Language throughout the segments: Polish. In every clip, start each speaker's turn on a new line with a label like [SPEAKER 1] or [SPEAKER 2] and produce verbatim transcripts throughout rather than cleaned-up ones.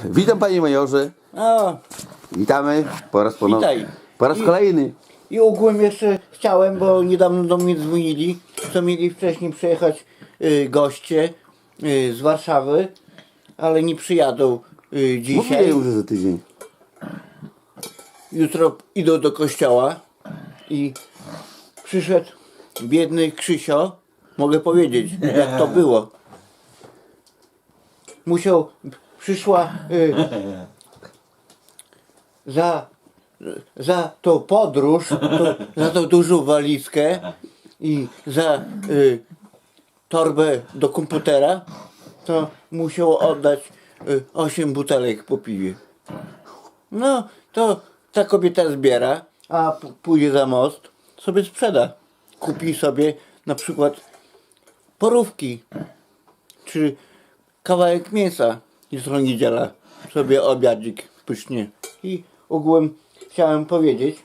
[SPEAKER 1] Witam panie majorze.
[SPEAKER 2] O,
[SPEAKER 1] Witamy po raz ponowny.
[SPEAKER 2] witaj.
[SPEAKER 1] Po raz
[SPEAKER 2] I-
[SPEAKER 1] kolejny.
[SPEAKER 2] I ogółem jeszcze chciałem, bo niedawno do mnie dzwonili, co mieli wcześniej przyjechać y, goście y, z Warszawy, ale nie przyjadą y, dzisiaj.
[SPEAKER 1] Mówiłem, że za tydzień.
[SPEAKER 2] Jutro idą do kościoła i przyszedł biedny Krzysio, mogę powiedzieć, jak to było. Musiał, przyszła y, za, za tą podróż, to, za tą dużą walizkę i za y, torbę do komputera, to musiał oddać y, osiem butelek po piwie. No, to ta kobieta zbiera, a p- pójdzie za most, sobie sprzeda. Kupi sobie na przykład porówki, czy kawałek mięsa. Jutro niedziela, sobie obiadzik pysznie. I ogółem chciałem powiedzieć,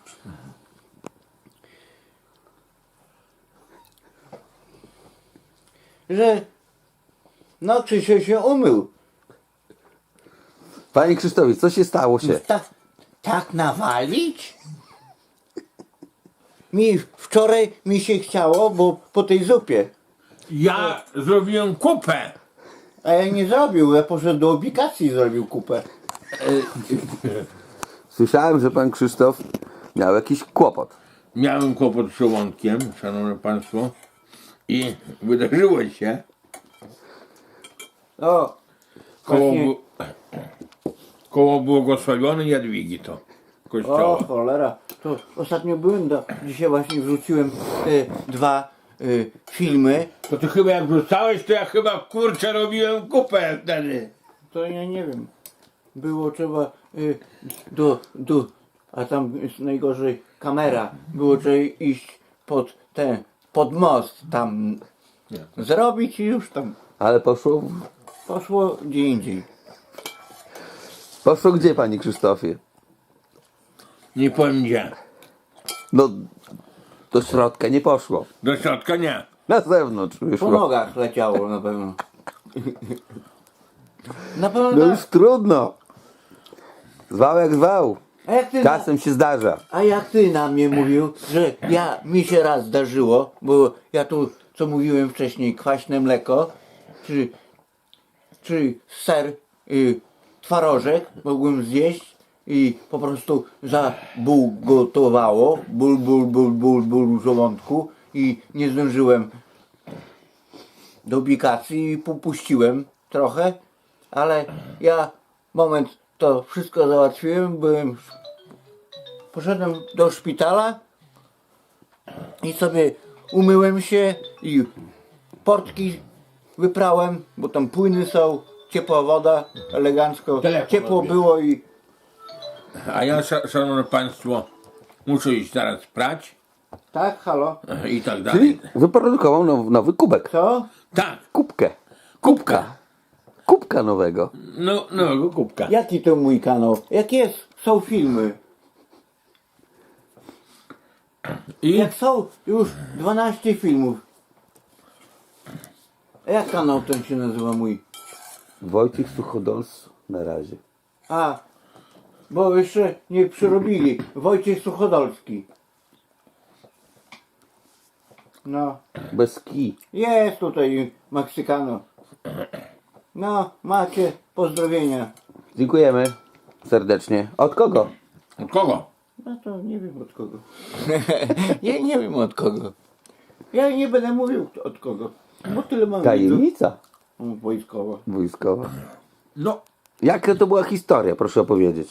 [SPEAKER 2] że no Krzysiu się umył.
[SPEAKER 1] Panie Krzysztofie, co się stało się?
[SPEAKER 2] Tak, tak nawalić? Mi wczoraj mi się chciało, bo po tej zupie.
[SPEAKER 3] Ja zrobiłem kupę.
[SPEAKER 2] A ja nie zrobił, ja poszedłem do ubikacji i zrobił kupę.
[SPEAKER 1] Słyszałem, że pan Krzysztof miał jakiś kłopot.
[SPEAKER 3] Miałem kłopot z żołądkiem, szanowne państwo. I wydarzyło się
[SPEAKER 2] O,
[SPEAKER 3] koło,
[SPEAKER 2] właśnie,
[SPEAKER 3] bu- koło błogosławionej Jadwigi to
[SPEAKER 2] o
[SPEAKER 3] kościoła.
[SPEAKER 2] cholera, to ostatnio byłem, do, dzisiaj właśnie wrzuciłem e, dwa e, filmy,
[SPEAKER 3] To ty chyba jak wrzucałeś, to ja chyba kurczę robiłem kupę wtedy.
[SPEAKER 2] to ja nie wiem, było trzeba e, do, do, a tam jest najgorzej kamera, było trzeba iść pod ten, pod most tam zrobić i już tam
[SPEAKER 1] Ale poszło...
[SPEAKER 2] poszło gdzie indziej.
[SPEAKER 1] Poszło gdzie, panie Krzysztofie?
[SPEAKER 3] Nie powiem gdzie.
[SPEAKER 1] No, do środka nie poszło.
[SPEAKER 3] Do środka nie.
[SPEAKER 1] Na zewnątrz
[SPEAKER 2] Po
[SPEAKER 1] wyszło.
[SPEAKER 2] nogach leciało na pewno. Na pewno
[SPEAKER 1] No
[SPEAKER 2] tak.
[SPEAKER 1] już trudno. Zwał jak zwał.
[SPEAKER 2] A jak ty, na,
[SPEAKER 1] Czasem się zdarza.
[SPEAKER 2] a jak ty na mnie mówił, że ja mi się raz zdarzyło, bo ja tu, co mówiłem wcześniej, kwaśne mleko, czy, czy ser, y, twarożek mogłem zjeść i po prostu zabulgotowało, ból, ból, ból, ból, ból w żołądku i nie zdążyłem do ubikacji i popuściłem trochę, ale ja moment to wszystko załatwiłem, byłem, poszedłem do szpitala i sobie umyłem się i portki wyprałem, bo tam płyny są, ciepła woda, elegancko,
[SPEAKER 3] Telefon
[SPEAKER 2] ciepło
[SPEAKER 3] robię.
[SPEAKER 2] było i
[SPEAKER 3] A ja, sza- szanowne państwo, muszę iść teraz prać
[SPEAKER 2] tak, halo,
[SPEAKER 3] i tak
[SPEAKER 1] Czyli
[SPEAKER 3] dalej.
[SPEAKER 1] wyprodukował now, nowy kubek.
[SPEAKER 2] co?
[SPEAKER 3] Tak,
[SPEAKER 1] Kubkę.
[SPEAKER 3] kubka.
[SPEAKER 1] Kubka nowego.
[SPEAKER 3] No, no, kubka.
[SPEAKER 2] Jaki to mój kanał? Jak jest? Są filmy.
[SPEAKER 3] I
[SPEAKER 2] Jak są już dwanaście filmów. A jak kanał ten się nazywa mój?
[SPEAKER 1] Wojciech Suchodolc na razie.
[SPEAKER 2] A, bo jeszcze nie przyrobili. Wojciech Suchodolski. No,
[SPEAKER 1] Bez kij.
[SPEAKER 2] jest tutaj Meksykano. No, macie pozdrowienia.
[SPEAKER 1] Dziękujemy serdecznie. Od kogo?
[SPEAKER 3] od kogo?
[SPEAKER 2] No to nie wiem od kogo. Ja nie wiem od kogo. Ja nie będę mówił od kogo. Bo tyle mam widzów.
[SPEAKER 1] Tajemnica
[SPEAKER 2] Wojskowa.
[SPEAKER 1] wojskowa.
[SPEAKER 3] No,
[SPEAKER 1] Jaka to była historia, proszę opowiedzieć.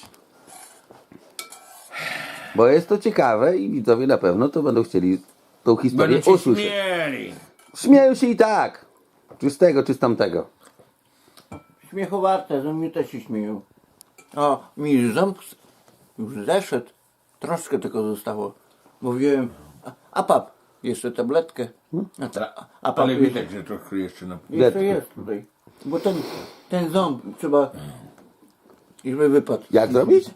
[SPEAKER 1] Bo jest to ciekawe i widzowie na pewno to będą chcieli tą historię
[SPEAKER 3] będą się
[SPEAKER 1] usłyszeć.
[SPEAKER 3] śmieli.
[SPEAKER 1] Śmieją się i tak. Czy z tego, czy z tamtego.
[SPEAKER 2] Śmiechowarte, ze mnie też się śmieją. O, mi ząb już zeszedł. Troszkę tylko zostało. Mówiłem, a, a pap, jeszcze tabletkę. A, ta, a pap
[SPEAKER 3] Ale
[SPEAKER 2] jeszcze,
[SPEAKER 3] widać, że trochę jeszcze na...
[SPEAKER 2] jeszcze jest tutaj. Bo ten, ten ząb trzeba, i żeby wypadł.
[SPEAKER 1] Jak zrobić?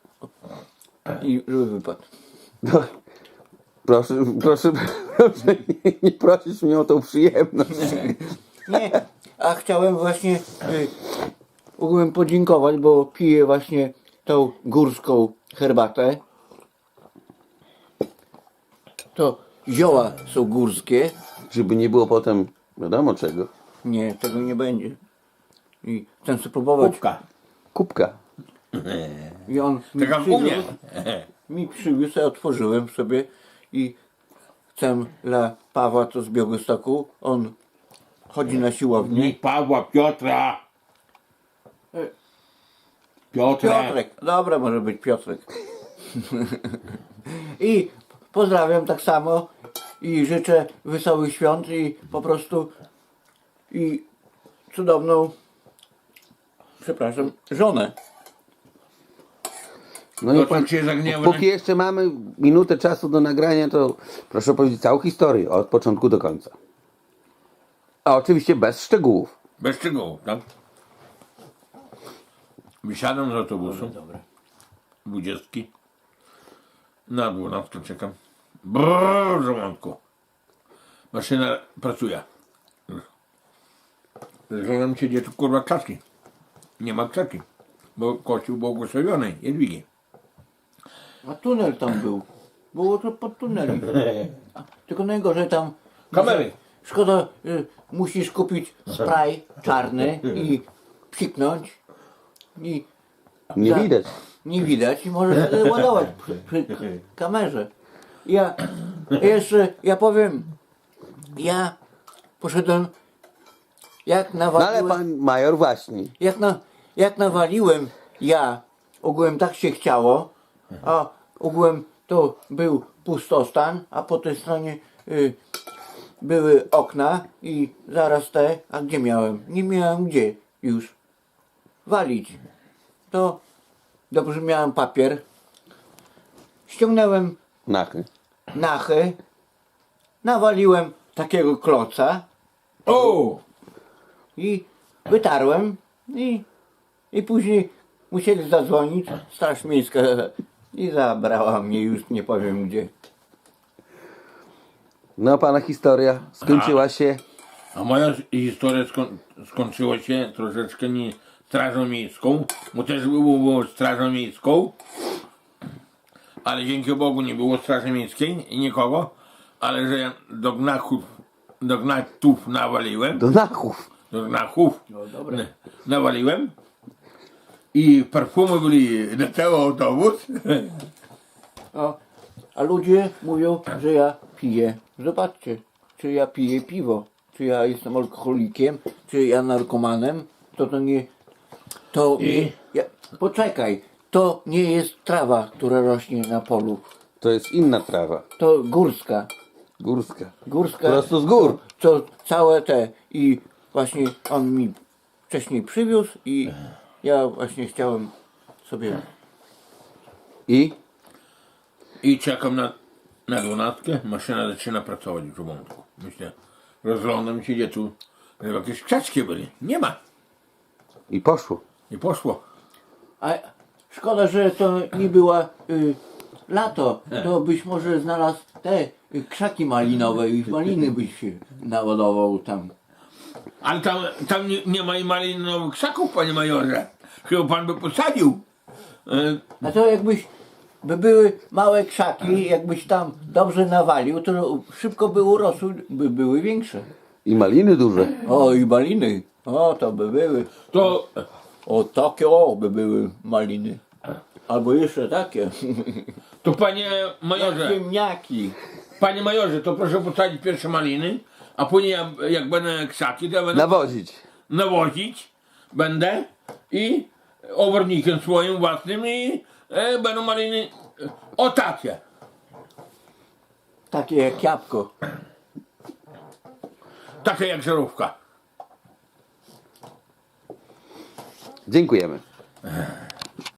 [SPEAKER 2] I żeby wypadł.
[SPEAKER 1] No, proszę, proszę, proszę nie, nie prosić mnie o tą przyjemność.
[SPEAKER 2] Nie, a chciałem właśnie y, ogółem podziękować, bo piję właśnie tą górską herbatę. To zioła są górskie.
[SPEAKER 1] Żeby nie było potem wiadomo czego.
[SPEAKER 2] Nie, tego nie będzie. I chcę spróbować.
[SPEAKER 3] Kubka.
[SPEAKER 1] Kubka.
[SPEAKER 2] I on mi
[SPEAKER 3] Tak jak u mnie.
[SPEAKER 2] przywiózł, mi przywiózł, ja otworzyłem sobie i chcę dla Pawła to z Białegostoku. On chodzi na siłownię.
[SPEAKER 3] Nie Pawła, Piotra. Piotra.
[SPEAKER 2] Piotrek, dobra, może być Piotrek. I pozdrawiam tak samo i życzę wesołych świąt i po prostu i cudowną, przepraszam, żonę.
[SPEAKER 1] No
[SPEAKER 3] To
[SPEAKER 1] i pan,
[SPEAKER 3] tam się zagniewa.
[SPEAKER 1] póki jeszcze mamy minutę czasu do nagrania, to proszę powiedzieć całą historię od początku do końca. A oczywiście bez szczegółów.
[SPEAKER 3] Bez szczegółów, tak? Wysiadam z autobusu. Dwudziestki. Na dwunastkę czekam. Brrr, żołądku. Maszyna pracuje. Zastanawiam się, gdzie tu kurwa krzaczki. Nie ma krzaczki. Bo kościół błogosławiony Jadwigi.
[SPEAKER 2] A tunel tam był. Było to pod tunelem. A, tylko najgorzej tam.
[SPEAKER 3] Kamery.
[SPEAKER 2] Szkoda, y, musisz kupić spray czarny i psiknąć. I
[SPEAKER 1] Nie
[SPEAKER 2] za-
[SPEAKER 1] widać.
[SPEAKER 2] Nie widać i możesz wtedy ładować przy, przy k- kamerze. Ja jeszcze, ja powiem, ja poszedłem, jak
[SPEAKER 1] No ale
[SPEAKER 2] nawaliłem,
[SPEAKER 1] pan major właśnie.
[SPEAKER 2] jak, na, jak nawaliłem ja, ogółem tak się chciało, a ogółem to był pustostan, a po tej stronie y, były okna i zaraz te, a gdzie miałem? Nie miałem gdzie już walić. To dobrze miałem papier. Ściągnąłem
[SPEAKER 1] Nachy.
[SPEAKER 2] nachy, nawaliłem takiego kloca
[SPEAKER 3] O!
[SPEAKER 2] i wytarłem i, i później musieli zadzwonić Straż Miejska i zabrała mnie już nie powiem gdzie.
[SPEAKER 1] No pana historia skończyła się.
[SPEAKER 3] A moja historia skoń, skończyła się troszeczkę nie strażą miejską, bo też było, było strażą miejską, ale dzięki Bogu nie było straży miejskiej i nikogo, ale że ja do gnachów, do gnatów nawaliłem,
[SPEAKER 1] Do nachów.
[SPEAKER 3] do gnachów
[SPEAKER 2] No dobra.
[SPEAKER 3] n- nawaliłem i perfumy byli na cały autobus.
[SPEAKER 2] O, a ludzie mówią, że ja piję. Zobaczcie, czy ja piję piwo, czy ja jestem alkoholikiem, czy ja narkomanem, to to nie, to nie, ja, poczekaj, to nie jest trawa, która rośnie na polu,
[SPEAKER 1] To jest inna trawa.
[SPEAKER 2] to górska,
[SPEAKER 1] Górska.
[SPEAKER 2] górska,
[SPEAKER 1] Prosto z gór.
[SPEAKER 2] to całe te i właśnie on mi wcześniej przywiózł i ja właśnie chciałem sobie,
[SPEAKER 1] I?
[SPEAKER 3] I czekam na, na dwunastkę, maszyna zaczyna pracować w żołądku. Myślę, rozglądam się, gdzie tu żeby jakieś krzaczki byli. Nie ma.
[SPEAKER 1] I poszło.
[SPEAKER 3] I poszło.
[SPEAKER 2] a szkoda, że to nie była y, lato, to byś może znalazł te y, krzaki malinowe i maliny byś się naładował tam.
[SPEAKER 3] Ale tam, tam nie, nie ma i malinowych krzaków, panie majorze. Chyba pan by posadził. E,
[SPEAKER 2] A to jakbyś, by były małe krzaki, jakbyś tam dobrze nawalił, to szybko by urosły, by były większe.
[SPEAKER 1] I maliny duże.
[SPEAKER 2] O i maliny, o to by były,
[SPEAKER 3] to
[SPEAKER 2] o takie o by były maliny. Albo jeszcze takie,
[SPEAKER 3] To panie majorze,
[SPEAKER 2] ziemniaki.
[SPEAKER 3] panie majorze, to proszę posadzić pierwsze maliny, a później jak, jak będę krzaki, to ja będę
[SPEAKER 1] Nawozić.
[SPEAKER 3] nawozić będę i obornikiem swoim własnym i e, będą maliny e, o takie.
[SPEAKER 2] Takie jak jabłko.
[SPEAKER 3] Takie jak żarówka.
[SPEAKER 1] Dziękujemy.